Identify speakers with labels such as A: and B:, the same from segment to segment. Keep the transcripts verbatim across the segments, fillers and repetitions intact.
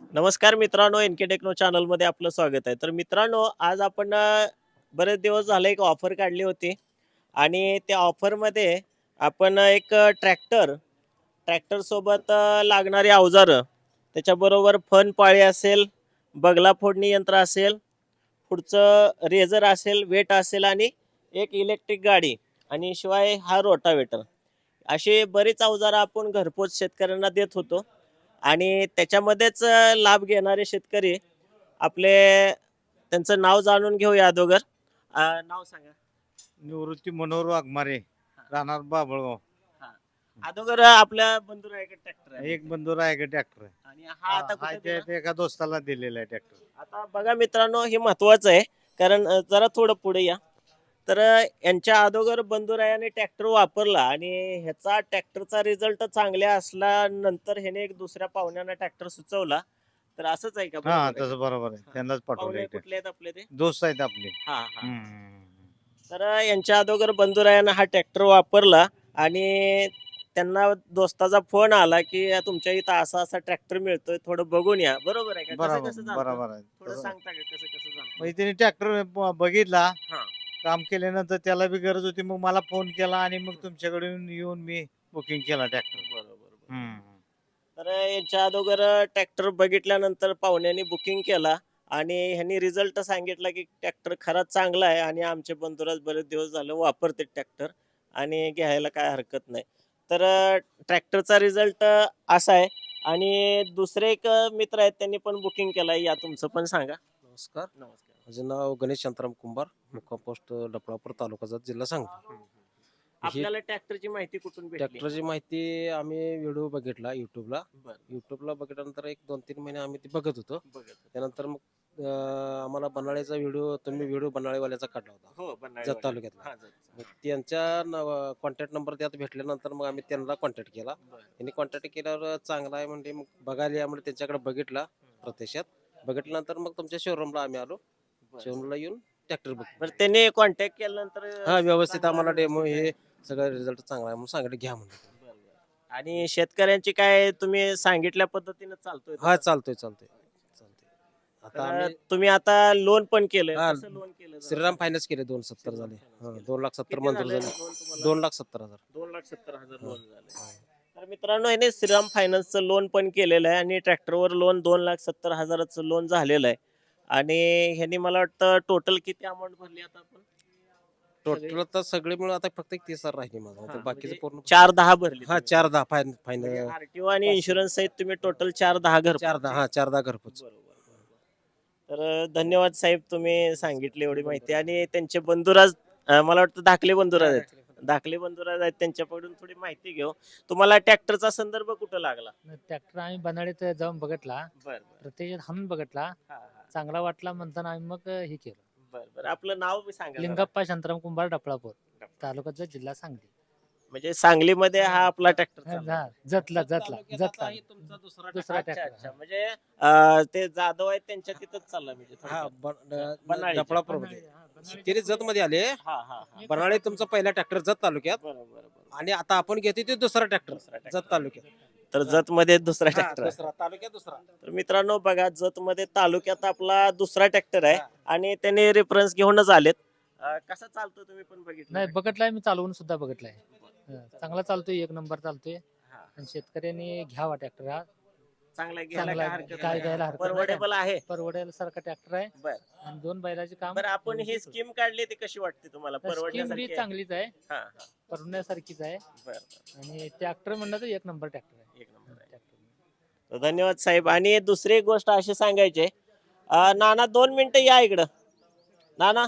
A: नमस्कार मित्रांनो, N K techno चॅनलमध्ये आपलं स्वागत आहे. तर मित्रांनो, आज आपण अ, बरेच दिवस झाले एक ऑफर काढली होती आणि त्या ऑफरमध्ये आपण एक अ, ट्रॅक्टर, ट्रॅक्टरसोबत अ, लागणारी अवजारं, त्याच्याबरोबर फन पाळी असेल, बगला फोडणी यंत्र असेल, पुढचं रेझर असेल, वेट असेल आणि एक इलेक्ट्रिक गाडी आणि शिवाय हा रोटावेटर. अशी बरीच अवजारं आपण घरपोच शेतकऱ्यांना देत होतो आणि त्याच्यामध्येच अ, लाभ घेणारे शेतकरी आपले त्यांचं नाव जाणून घेऊया अगोदर. अ, नाव सांगा.
B: निवृत्ती मनोहर वाघमारे,
A: हा,
B: राहणार बाभळगाव.
A: हा. अगोदर आपल्या बंधुरायाकडे ट्रॅक्टर आहे
B: एक
A: बहुतेक.
B: बंधू आहे का ट्रॅक्टर?
A: आणि हा आता
B: हा
A: कुठे
B: ते
A: दिला?
B: ते एका दोस्ताला दिलेला आहे ट्रॅक्टर.
A: आता बघा मित्रांनो, हे महत्वाचं आहे कारण अ, जरा थोडं पुढे या. तर अ, यांच्या अगोदर बंधुरायाने ट्रॅक्टर वापरला आणि ह्याचा ट्रॅक्टरचा रिझल्ट चांगला असल्यानंतर ह्याने एक दुसऱ्या पाहुण्यांना ट्रॅक्टर सुचवला. तर असंच आहे का?
B: हा
A: बरोबर आहे का?
B: तसं बरोबर आहे,
A: हा.
B: त्यांनाच पाठवलं
A: पाहुणे
B: एक
A: कुठले आहेत आपले ते?
B: दोस्त आहेत आपले.
A: हा हा.
B: हम्म.
A: तर अ, यांच्या अगोदर बंधुरायानं हा ट्रॅक्टर वापरला आणि त्यांना दोस्ताचा फोन आला की तुमच्या इथं असा असा ट्रॅक्टर मिळतोय, थोडं बघून या. बरोबर आहे का? कसं
B: बरोबर
A: कसं झालं?
B: बरोबर आहे
A: थोडं
B: तसं.
A: सांगता का कसं कसं झालं?
B: म्हणजे त्याने ट्रॅक्टर बघितला,
A: हा.
B: काम केल्यानंतर त्याला बी गरज होती, मग मला फोन केला आणि मग तुमच्याकडून येऊन मी बुकिंग केला ट्रॅक्टर.
A: बरोबर बरोबर.
B: हम्म.
A: तर याच्या अगोदर ट्रॅक्टर बघितल्यानंतर पाहुण्यांनी बुकिंग केला आणि ह्यांनी रिझल्ट सांगितला की ट्रॅक्टर खराच चांगला आहे आणि आमचे बंधुराज बरेच दिवस झालं वापरते ट्रॅक्टर आणि घ्यायला काय हरकत नाही. तर ट्रॅक्टरचा रिझल्ट असा आहे आणि दुसरे एक मित्र आहेत त्यांनी पण बुकिंग केलं आहे. या तुमचं पण सांगा.
C: नमस्कार.
A: नमस्कार.
C: माझे नाव गणेश शांताराम कुंभार, मुक्काम पोस्ट डफळापूर, तालुका जत, जिल्हा सांगली. ही
A: आपल्याला ट्रॅक्टरची माहिती कुठून भेटली?
C: ट्रॅक्टरची माहिती आम्ही व्हिडिओ बघितला युट्यूबला.
A: बरं.
C: युट्यूबला बघितल्यानंतर एक दोन तीन महिने आम्ही ते बघत होतो.
A: बघत.
C: त्यानंतर मग अं, आम्हाला बनाळेचा व्हिडिओ तुम्ही व्हिडिओ बनाळेवाल्याचा काढला होता,
A: हो
C: जत
A: बनाळेवाले.
C: तालुक्यातला.
A: हा जत.
C: मग त्यांच्या कॉन्टॅक्ट नंबर त्यात भेटल्यानंतर मग आम्ही त्यांना कॉन्टॅक्ट केला.
A: बरं.
C: त्यांनी कॉन्टॅक्ट केल्यावर चांगला आहे म्हणजे मग बघायला या म्हणजे त्यांच्याकडे बघितला प्रत्यक्षात. बघितल्यानंतर मग तुमच्या शोरूमला आम्ही आलो.
A: बरं.
C: शोरूमला येऊन ट्रॅक्टर बघ
A: बरं त्यांनी कॉन्टॅक्ट केल्यानंतर
C: हा व्यवस्थित
A: चांगला
C: आम्हाला डेमो
A: व्यवस्थित आहे.
C: हे सगळं रिझल्ट चांगला आहे म्हणून सांगितलं घ्या म्हणून.
A: बरं, बरं. आणि शेतकऱ्यांची काय तुम्ही सांगितल्या पद्धतीने चालतोय
C: हा
A: तसं?
C: चालतोय चालतोय चालतोय.
A: तर
C: आता आम्ही
A: तुम्ही आता लोन पण केलंय.
C: हा
A: कसं लोन केलं जरा
C: श्रीराम
A: सांगा?
C: फायनान्स केले दोन सत्तर
A: श्रीराम
C: झाले.
A: फायनान्स
C: हा,
A: केलं.
C: दोन लाख सत्तर
A: किती
C: मंजूर
A: झालंय
C: झाले.
A: लोन तुम्हाला?
C: दोन लाख सत्तर हजार.
A: दोन लाख सत्तर हजार
C: हा,
A: लोन झालंय.
C: हा.
A: तर मित्रांनो याने श्रीराम फायनान्सचं लोन पण केलेलं आहे आणि ट्रॅक्टरवर लोन दोन लाख सत्तर हजाराचं लोन झालेलं आहे. आणि ह्यांनी मला वाटतं टोटल किती अमाऊंट भरली आता आपण? सगळी?
C: टोटल तर सगळे मिळून आता फक्त एक तीस हजार राहिले माझा.
A: हा,
C: तर बाकीचं
A: म्हणजे
C: पूर्ण
A: चार दहा भरली
C: हा
A: तुम्ही.
C: चार दहा फायन
A: म्हणजे
C: फायनल
A: आरटीओ आणि
C: पाचशे.
A: इन्शुरन्स सहित तुम्ही टोटल चार दहा घर
C: चार दहा हा चार दहा घरपोच.
A: बरोबर बरोबर. तर धन्यवाद साहेब तुम्ही सांगितली एवढी माहिती आणि त्यांचे बंधुराज अं, मला वाटतं धाकले बंधुराज आहेत. धाकले बंधुराज आहेत त्यांच्याकडून थोडी माहिती घेऊ. तुम्हाला ट्रॅक्टरचा संदर्भ कुठं लागला?
D: ट्रॅक्टर आम्ही बनाडीत जाऊन बघितला,
A: बर
D: प्रत्यक्षात हाणून बघितला,
A: हा हा.
D: चांगला वाटला म्हणताना आम्ही मग हे केलं.
A: बर बर आपलं नाव बी सांगा जरा.
D: लिंगप्पा शांताराम कुंभार डफळापूर, तालुका जत, जिल्हा सांगली.
A: म्हणजे सांगलीमध्ये हा आपला ट्रॅक्टर
D: हा,
A: चालला.
D: हा, जतला जतला जतला
C: तुमचा दुसरा
D: दुसरा
A: अच्छा
D: ट्रॅक्टर.
A: अच्छा म्हणजे अं, ते जाधव आहेत त्यांच्या तिथंच चालला म्हणजे
C: हा
A: थोडक्यात. बनाळीच्या.
C: डफळापूर तिने जत मध्ये आले.
A: हा हा हा.
C: बनाळे तुमचा पहिला ट्रॅक्टर जत तालुक्यात
A: बरोबर बरोबर.
C: आणि आता आपण घेते ते दुसरा ट्रॅक्टर
A: दुसरा tractor.
C: जत तालुक्यात.
A: तर जत मध्ये दुसरा
C: हा,
A: ट्रॅक्टर.
C: दुसरा तालुक्यात दुसरा.
A: तर मित्रांनो बघा जत मध्ये तालुक्यात आपला दुसरा ट्रॅक्टर आहे
C: हा.
A: आणि त्याने रेफरन्स घेऊनच आलेत. अं, कसा चालतो तुम्ही पण बघितलं?
D: नाही बघितलाय मी, चालवून सुद्धा बघितलाय. हा, चांगला चालतोय, एक नंबर चालतोय.
A: हा.
D: आणि शेतकऱ्यांनी घ्यावा ट्रॅक्टर हा.
A: चांगला घ्यायला
D: चांगला
A: काय
D: आहे.
A: हरकत
D: काय
A: नाही.
D: घ्यायला हरकत नाही.
A: परवडेबल आहे.
D: परवडेल सारखा ट्रॅक्टर आहे
A: बर
D: आणि दोन बैलाचे काम.
A: बरं आपण ही स्कीम काढली ती कशी वाटते तुम्हाला?
D: स्कीम बी
A: परवडण्यासारखी आहे?
D: चांगलीच आहे,
A: हा हा.
D: परवडण्यासारखीच आहे.
A: बर बर.
D: आणि ट्रॅक्टर म्हणलं तर एक नंबर ट्रॅक्टर आहे.
A: एक नंबर आहे.
D: ट्रॅक्टर.
A: तर धन्यवाद साहेब. आणि दुसरी एक गोष्ट अशी सांगायची आहे, अं, नाना दोन मिनिटं या इकडं. नाना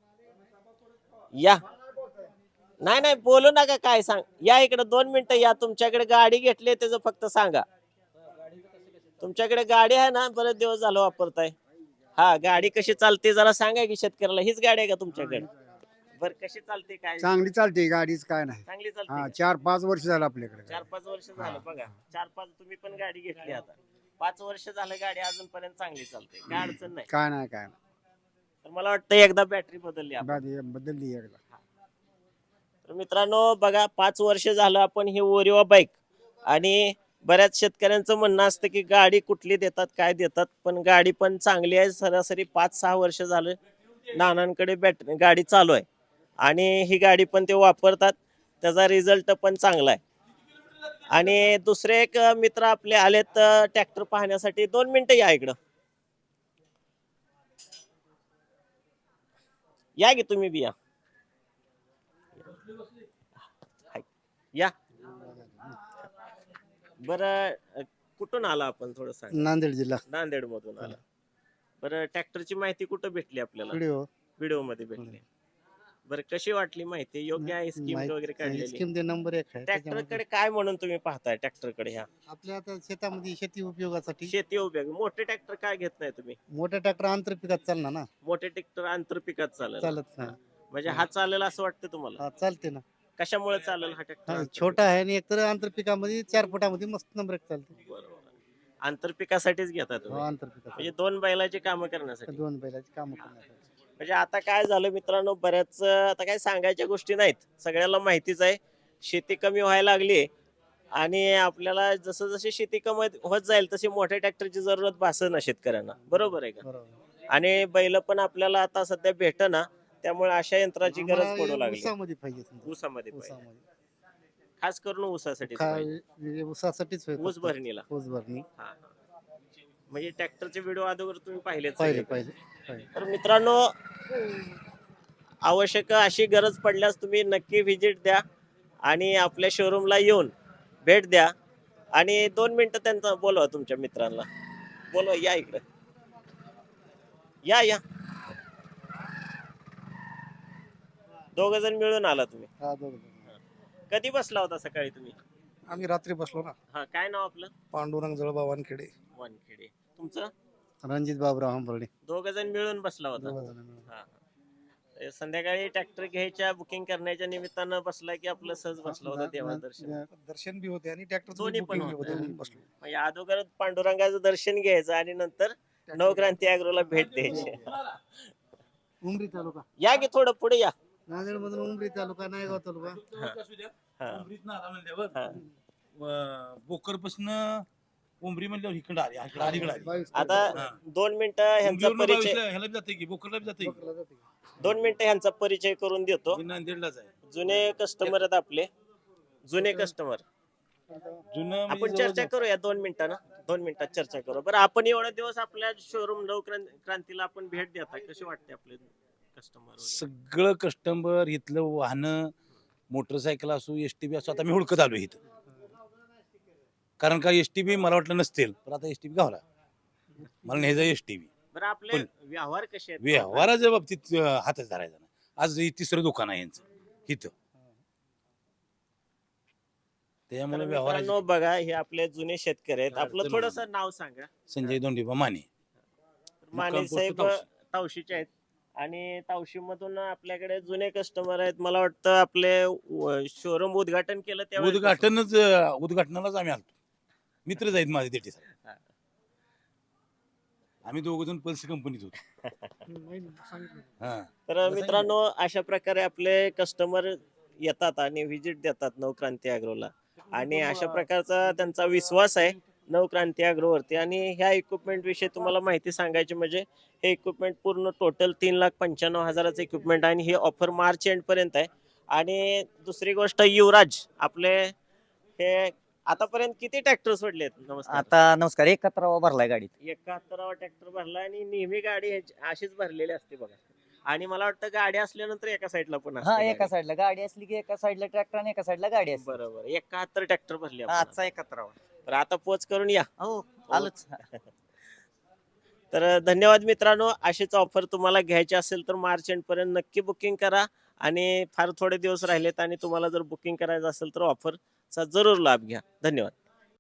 A: या. नाही नाही बोलू नका, काय सांग या इकडं दोन मिनिटं या. तुमच्याकडे गाडी घेतली त्याचं फक्त सांगा. तुमच्याकडे गाडी आहे ना, बरेच दिवस झालं वापरताय. हा गाडी कशी चालते जरा सांगा की शेतकऱ्याला. हीच गाडी आहे का तुमच्याकडे? बर कशी चालते काय?
E: चांगली चालते गाडीच काय नाही.
A: चांगली
E: हा
A: चालते.
E: चार पाच वर्ष झालं आपल्याकडे.
A: चार पाच वर्ष झालं बघा. चार पाच तुम्ही पण गाडी घेतली आता. पाच वर्ष झालं गाडी अजूनपर्यंत चांगली चालते, काय अडचण नाही.
E: काय नाही काय नाही.
A: तर मला वाटतं एकदा बॅटरी बदलली आपण.
E: बाकी बदलली एकदा.
A: तर मित्रांनो बघा पाच वर्ष झालं आपण ही ओरिवा बाईक आणि बऱ्याच शेतकऱ्यांचं म्हणणं असतं की गाडी कुठली देतात काय देतात, पण गाडी पण चांगली आहे. सरासरी पाच सहा वर्ष झालं नानांकडे बॅट गाडी चालू आहे आणि ही गाडी पण ते वापरतात, त्याचा रिझल्ट पण चांगला आहे. आणि दुसरे एक मित्र आपले आलेत ट्रॅक्टर पाहण्यासाठी. दोन मिनिटं या इकडं, या की तुम्ही बी या या बरं. अ, कुठून आला आपण थोडं सांग.
E: नांदेड जिल्हा
A: नांदेड मधून आला. बरं, ट्रॅक्टरची माहिती कुठं भेटली आपल्याला?
E: व्हिडिओ
A: व्हिडिओ मध्ये भेटली. बरं, कशी वाटली माहिती? योग्य आहे स्कीम वगैरे काढलेली?
E: स्कीम ते नंबर एक आहे
A: ट्रॅक्टर
E: त्याच्यामध्ये.
A: कडे काय म्हणून तुम्ही पाहताय? ट्रॅक्टर कडे ह्या
E: आपल्या आता शेतामध्ये शेती उपयोगासाठी
A: शेती उपयोग. मोठे ट्रॅक्टर काय घेत नाही तुम्ही?
E: मोठ्या ट्रॅक्टर आंतर पिकात चालणार ना,
A: मोठे ट्रॅक्टर आंतरपिकात चालेल,
E: चालत नाही.
A: म्हणजे हा चालेल असं वाटतं तुम्हाला?
E: हा चालते ना.
A: कशामुळे चालेल हा
E: हा,
A: ट्रॅक्टर?
E: छोटा आहे आणि एकतर आंतर पिकामध्ये चार फुटामध्ये मस्त नंबर एक चालते.
A: बरोबर. आंतरपिकासाठीच घेता
E: हो,
A: तुम्ही,
E: आंतर पिकात
A: म्हणजे दोन बैलाची कामं करण्यासाठी.
E: दोन बैलाची काम करण्यासाठी.
A: म्हणजे आता काय झालं मित्रांनो, बऱ्याच आता काय सांगायच्या गोष्टी नाहीत, सगळ्याला माहितीच आहे. शेती कमी व्हायला लागली आणि आपल्याला जसं जशी शेती कमी होत जाईल तशी मोठ्या ट्रॅक्टरची जरूरत भासत ना शेतकऱ्यांना. बरोबर आहे का?
E: बरोबर.
A: आणि बैल पण आपल्याला आता सध्या भेटना, त्यामुळे अशा यंत्राची गरज
E: आम्हाला
A: पडू लागली.
E: ऊसामध्ये पाहिजे समजा.
A: ऊसामध्ये पाहिजे.
E: ऊसामध्ये
A: खास करून ऊसासाठी
E: खा-
A: पाहिजे.
E: म्हणजे ऊसासाठीच होय
A: ऊस
E: फक्त.
A: भरणीला.
E: ऊस भरणी
A: हा, हा. म्हणजे ट्रॅक्टरचे व्हिडिओ अगोदर तुम्ही पाहिलेत
E: पाहिजे
A: सगळे?
E: पाहिजे पाहिजे.
A: तर मित्रांनो, आवश्यक अशी गरज पडल्यास तुम्ही नक्की व्हिजिट द्या आणि आपल्या शोरूमला येऊन भेट द्या. आणि दोन मिनिटं त्यांचा बोलवा, तुमच्या मित्रांना बोलवा. या इकडे, या या दोघ जण मिळून आला तुम्ही.
E: हा, दोघं जण.
A: कधी बसला होता सकाळी तुम्ही?
F: आम्ही रात्री बसलो ना.
A: हा, काय नाव आपलं?
F: पांडुरंग जळगाव वानखेडे.
A: वानखेडे. तुमचं?
E: रणजित बाबराव हंबर्डे.
A: दोघ जण मिळून बसला होता.
E: दोघं जण मिळून.
A: हा, हा. ए, संध्याकाळी ट्रॅक्टर घ्यायच्या बुकिंग करण्याच्या निमित्तानं बसला की आपलं सहज बसला होता तेव्हा दर्शन?
F: दर्शन बी होते आणि ट्रॅक्टर
A: दोन्ही पण होते.
F: बसलो.
A: म्हणजे अगोदर पांडुरंगाचं दर्शन घ्यायचं आणि नंतर नवक्रांती अॅग्रोला भेट द्यायची.
E: उमरी तालुका,
A: या की थोडं पुढे या.
E: नांदेड मधून उमरी तालुका, नायगाव तालुका.
A: हा. हा.
G: बोकर पासन उमरी म्हणल्यावर इकडे आली इकडे अलीकडे आली.
E: बावीस
A: आता
G: हा.
A: दोन मिनिटं ह्यांचा
G: उमरीवरनं
A: परिचय
G: बावीसला ह्याला बी जाते की बोकरला बी जाते की.
E: तालुका जाते.
A: दोन मिनिटं ह्यांचा परिचय करून देतो.
G: मी नांदेडलाच आहे.
A: जुने कस्टमर आहेत आपले, जुने कस्टमर.
G: जुनं
A: आपण
G: म्हणजे
A: चर्चा
G: जवळजवळ-
A: करूया दोन मिनिटांना, दोन मिनिटात चर्चा करू. बरं, आपण एवढे दिवस आपल्या शोरूम नवक्रांतीला आपण भेट देता, कसे वाटते आपले कस्टमर?
G: सगळं कस्टमर इथलं वाहनं मोटरसायकल असो एसटी बी असो, आता मी हुडकत आलो इथं. कारण का एसटी बी मला वाटलं नसतील, पण आता एसटी बी गावला मला न्यायचा एसटी बी.
A: बरं, आपले
G: पण-
A: व्यवहार कसे आहेत?
G: व्यवहाराच्या बाबतीत अं, हातच धरायचा नाही. आज हे तिसरं दुकान आहे यांचं इथं,
A: तर
G: त्यामुळे
A: मित्रांनो
G: व्यवहाराचे
A: बघा, हे आपले जुने शेतकरी आहेत.
G: काय
A: आपलं
G: अडचण
A: थोडस
G: नाही.
A: नाव सांगा.
G: संजय दोंडीबा माने.
A: माने
G: मुक्काम पोस्ट
A: साहेब
G: तावशी.
A: तावशीचे आहेत आणि तावशी मधून आपल्याकडे जुने कस्टमर आहेत. मला वाटतं आपले शोरूम उद्घाटन केलं तेव्हा
G: उद्घाटनच अं, उद्घाटनालाच आम्ही आलतो. मित्रच आहेत माझे तेटी साहेब.
A: हा.
G: आम्ही दोघ जण पल्स कंपनीत होतो. हा.
A: तर मित्रांनो, अशा प्रकारे आपले कस्टमर येतात आणि व्हिजिट देतात नवक्रांती अॅग्रोला आणि अशा प्रकारचा त्यांचा विश्वास आहे नवक्रांती अॅग्रोवरती. आणि ह्या इक्विपमेंट विषयी तुम्हाला माहिती सांगायची म्हणजे हे इक्विपमेंट पूर्ण टोटल तीन लाख पंच्याण्णव हजाराचं इक्विपमेंट आहे आणि ही ऑफर मार्च एंड पर्यंत आहे. आणि दुसरी गोष्ट, युवराज आपले हे आतापर्यंत किती ट्रॅक्टर सोडलेत? नमस्कार.
H: आता नमस्कार, एकाहत्तरावा भरलाय गाडीत.
A: एकाहत्तरावा ट्रॅक्टर भरला आणि नेहमी गाडी ह्याची- अशीच भरलेली असते बघा. आणि मला वाटतं गाडी असल्यानंतर एका साईडला पण असते
H: हा,
A: गाडी.
H: एका साईडला गाडी असली की एका साईडला ट्रॅक्टर आणि एका साईडला गाडी असते.
A: बरोबर, एकाहत्तर ट्रॅक्टर भरले
H: हा,
A: आपण.
H: आजचा एकाहत्तरावा.
A: तर आता पोच करून या.
H: हो, आलोच.
A: तर धन्यवाद मित्रांनो. अशीच ऑफर तुम्हाला घ्यायची असेल तर मार्च एंड पर्यंत नक्की बुकिंग करा. आणि फार थोडे दिवस राहिलेत आणि तुम्हाला जर बुकिंग करायचं असेल तर ऑफरचा जरूर लाभ घ्या. धन्यवाद.